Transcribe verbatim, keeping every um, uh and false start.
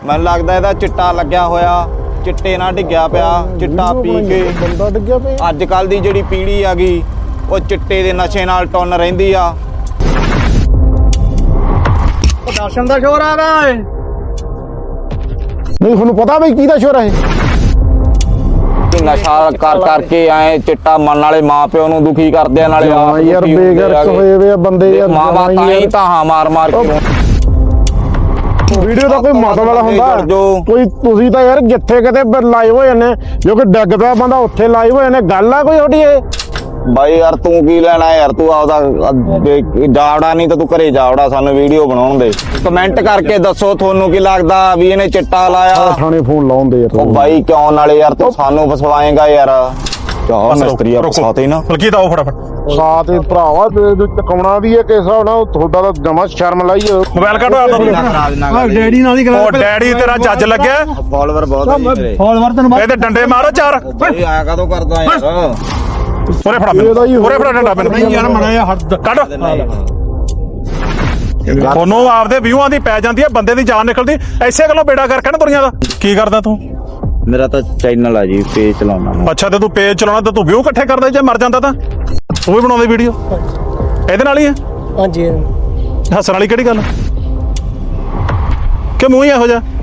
ਮੈਨੂੰ ਲੱਗਦਾ ਇਹਦਾ ਚਿੱਟਾ ਲੱਗਿਆ ਹੋਇਆ, ਚਿੱਟੇ ਨਾਲ ਡਿੱਗਿਆ ਪਿਆ, ਚਿੱਟਾ ਪੀ ਕੇ ਬੰਦਾ ਡਿੱਗਿਆ ਪਿਆ। ਅੱਜ ਕੱਲ ਦੀ ਜਿਹੜੀ ਪੀੜ੍ਹੀ ਆ ਗਈ ਉਹ ਚਿੱਟੇ ਦੇ ਨਸ਼ੇ ਨਾਲ ਟੁੰਨ ਰਹਿੰਦੀ ਆ। ਦਰਸ਼ਨ ਦਾ ਸ਼ੋਰ ਆ ਰਿਹਾ ਹੈ। ਨਹੀਂ ਤੁਹਾਨੂੰ ਪਤਾ ਬਈ ਕਿਹਦਾ ਸ਼ੋਰ ਹੈ? ਨਸ਼ਾ ਕਰ ਕਰਕੇ ਆਏ ਚਿੱਟਾ ਮਨ ਵਾਲੇ ਮਾਂ ਪਿਓ ਨੂੰ ਦੁਖੀ ਕਰਦੇ ਆ, ਨਾਲੇ ਆਪ ਯਾਰ ਬੇਗਰਕ ਹੋਏ ਵੇ ਆ ਬੰਦੇ ਯਾਰ। ਮਾਵਾਂ ਤਾਂ ਹੀ ਤਾਂ ਮਾਰ ਮਾਰ ਕੇ ਵੀਡੀਓ ਦਾ ਕੋਈ ਮਤਲਬ ਵਾਲਾ ਹੁੰਦਾ ਕੋਈ? ਤੁਸੀਂ ਤਾਂ ਯਾਰ ਜਿੱਥੇ ਕਿਤੇ ਲਾਈਵ ਹੋ ਜਾਂਦੇ ਜੋ ਕਿ ਡਿੱਗ ਪਿਆ ਬੰਦਾ ਉੱਥੇ ਲਾਈਵ ਹੋ ਜਾਂਦੇ, ਗੱਲ ਆ ਕੋਈ ਤੁਹਾਡੀ ਇਹ? ਬਾਈ ਯਾਰ ਤੂੰ ਕੀ ਲੈਣਾ ਯਾਰ, ਤੂੰ ਆਪਦਾ ਜਾਵੜਾ ਨਹੀਂ ਤਾਂ ਤੂੰ ਘਰੇ ਜਾਵੜਾ, ਸਾਨੂੰ ਵੀਡੀਓ ਬਣਾਉਣ ਦੇ। ਕਮੈਂਟ ਕਰਕੇ ਦੱਸੋ ਤੁਹਾਨੂੰ ਕੀ ਲੱਗਦਾ ਵੀ ਇਹਨੇ ਚਿੱਟਾ ਲਾਇਆ। ਥਾਣੇ ਫੋਨ ਲਾਉਂਦੇ ਯਾਰ। ਉਹ ਬਾਈ ਕਿਉਂ ਨਾਲੇ ਯਾਰ ਤੂੰ ਸਾਨੂੰ ਫਸਵਾਏਗਾ ਯਾਰ। ਚਾਹ ਮਿਸਤਰੀ ਆ ਫਸਾਤੇ ਨਾ ਬਲਕੀ ਤਾਂ ਉਹ ਫਟਾਫਟ ਸਾਥ ਹੀ ਭਰਾਵਾ ਤੇ ਚਕਾਉਣਾ ਵੀ ਹੈ ਕਿਸ ਹਿਸਾਬ ਨਾਲ ਤੁਹਾਡਾ ਤਾਂ ਜਮਾ ਸ਼ਰਮ ਲਾਈ। ਮੋਬਾਈਲ ਕੱਢੋ ਆਪਦਾ। ਡੈਡੀ ਨਾਲ ਹੀ ਉਹ ਡੈਡੀ ਤੇਰਾ ਜੱਜ ਲੱਗਿਆ। ਫਾਲੋਵਰ ਬਹੁਤ ਆ ਜੀ ਮੇਰੇ। ਫਾਲੋਵਰ ਤੈਨੂੰ ਇਹਦੇ ਡੰਡੇ ਮਾਰੋ ਚਾਰ। ਇਹ ਆਇਆ ਕਦੋਂ ਕਰਦਾ ਯਾਰ? ਉਰੇ ਫੜਾ ਮੈਨੂੰ, ਉਰੇ ਫੜਾ ਡੰਡਾ ਮੈਨੂੰ ਯਾਰ। ਮਣਾ ਯਾਰ ਹੱਦ ਕੱਢ। ਤੁਹਾਨੂੰ ਆਪਦੇ ਵਿਊਆਂ ਦੀ ਪੈ ਜਾਂਦੀ ਹੈ, ਬੰਦੇ ਦੀ ਜਾਨ ਨਿਕਲਦੀ ਐਸੇ ਗੱਲੋਂ ਬੇੜਾ ਕਰਕੇ ਨਾ ਦੁਨੀਆ ਦਾ। ਕੀ ਕਰਦਾ ਤੂੰ? ਮੇਰਾ ਤਾਂ ਚੈਨਲ ਆ ਜੀ, ਪੇਜ ਚਲਾਉਣਾ। ਅੱਛਾ ਤੇ ਤੂੰ ਪੇਜ ਚਲਾਉਣਾ ਤੇ ਤੂੰ ਵਿਊ ਇਕੱਠੇ ਕਰਦਾ, ਜੇ ਮਰ ਜਾਂਦਾ ਤਾਂ ਤੂੰ ਵੀ ਬਣਾਉਂਦੀ ਵੀਡੀਓ ਇਹਦੇ ਨਾਲ ਹੀ ਹੈ। ਹਾਂਜੀ ਹੱਸਣ ਵਾਲੀ ਕਿਹੜੀ ਗੱਲ ਕਿ ਮੂੰਹ ਹੀ ਇਹੋ ਜਿਹਾ?